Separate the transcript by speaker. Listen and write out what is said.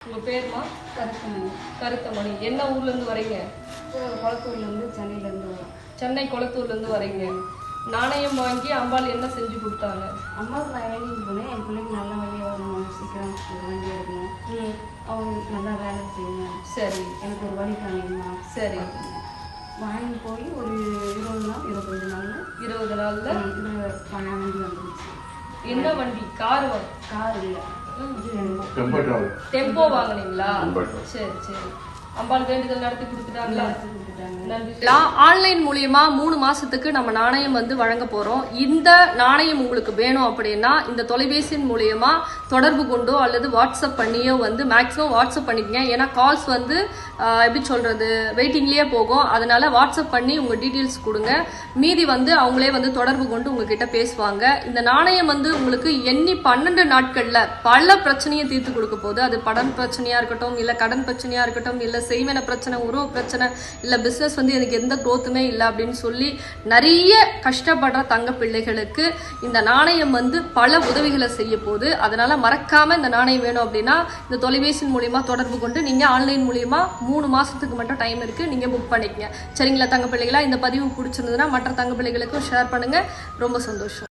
Speaker 1: உங்கள் பேருமா?
Speaker 2: கருத்தமணி.
Speaker 1: கருத்தமணி. என்ன ஊர்லேருந்து வரீங்க?
Speaker 2: குளத்தூர்லேருந்து, சென்னையிலேருந்து வரோம்.
Speaker 1: சென்னை குளத்தூர்லேருந்து வரீங்க. நாணயம் வாங்கி அம்பாள் என்ன செஞ்சு கொடுத்தாங்க?
Speaker 2: அம்மாவுக்கு நான் வேலைக்கு போனேன். என் பிள்ளைக்கு நல்ல வழியாக வரணும், சீக்கிரம் ஒரு வண்டி எடுக்கணும், அவங்க நல்லா வேலை செய்யணும்.
Speaker 1: சரி,
Speaker 2: எனக்கு ஒரு வழி காணிங்கம்மா.
Speaker 1: சரி.
Speaker 2: வாங்கி போய் ஒரு 20 நாள் 25 நாளில்
Speaker 1: 20 நாளில்
Speaker 2: இதில் வண்டி வந்துருச்சு.
Speaker 1: என்ன வண்டி? கார்
Speaker 2: கார் இல்லை,
Speaker 1: டெம்போ வாங்கினீங்களா? சரி சரி. அம்பாள் வேண்டுதல் நடத்தி கொடுத்துட்டாங்களா? ஆன்லைன் மூலியமா 3 மாசத்துக்கு நம்ம நாணயம் வந்து வழங்க போறோம். இந்த நாணயம் உங்களுக்கு வேணும் அப்படின்னா இந்த தொலைபேசியின் மூலியமா தொடர்பு கொண்டோ அல்லது வாட்ஸ்அப் பண்ணியோ வந்து மேக்ஸிமம் வாட்ஸ்அப் பண்ணிக்கங்க. ஏன்னா கால்ஸ் வந்து எப்படி சொல்றது வெயிட்டிங்லயே போகும். அதனால வாட்ஸ்அப் பண்ணி உங்க டீட்டெயில்ஸ் கொடுங்க. மீதி வந்து அவங்களே வந்து தொடர்பு கொண்டு உங்ககிட்ட பேசுவாங்க. இந்த நாணயம் வந்து உங்களுக்கு எண்ணி 12 நாட்கள்ல பல பிரச்சனையை தீர்த்து கொடுக்க போகுது. அது படம் பிரச்சனையா இருக்கட்டும், இல்ல கடன் பிரச்சனையா இருக்கட்டும், இல்ல செய்வன பிரச்சனை, உறவு பிரச்சனை, இல்ல பிசினஸ் வந்து எனக்கு எந்த குரோத்துமே இல்லை அப்படின்னு சொல்லி நிறைய கஷ்டப்படுற தங்க பிள்ளைகளுக்கு இந்த நாணயம் வந்து பல உதவிகளை செய்ய போகுது. அதனால மறக்காம இந்த நாணயம் வேணும் அப்படின்னா இந்த தொலைபேசி மூலியமா தொடர்பு கொண்டு நீங்க ஆன்லைன் மூலியமா 3 மாசத்துக்கு மட்டும் டைம் இருக்கு, நீங்க புக் பண்ணிக்கங்க. சரிங்களா தங்க பிள்ளைகளா? இந்த பதிவு பிடிச்சிருந்ததுன்னா மற்ற தங்க பிள்ளைகளுக்கும் ஷேர் பண்ணுங்க. ரொம்ப சந்தோஷம்.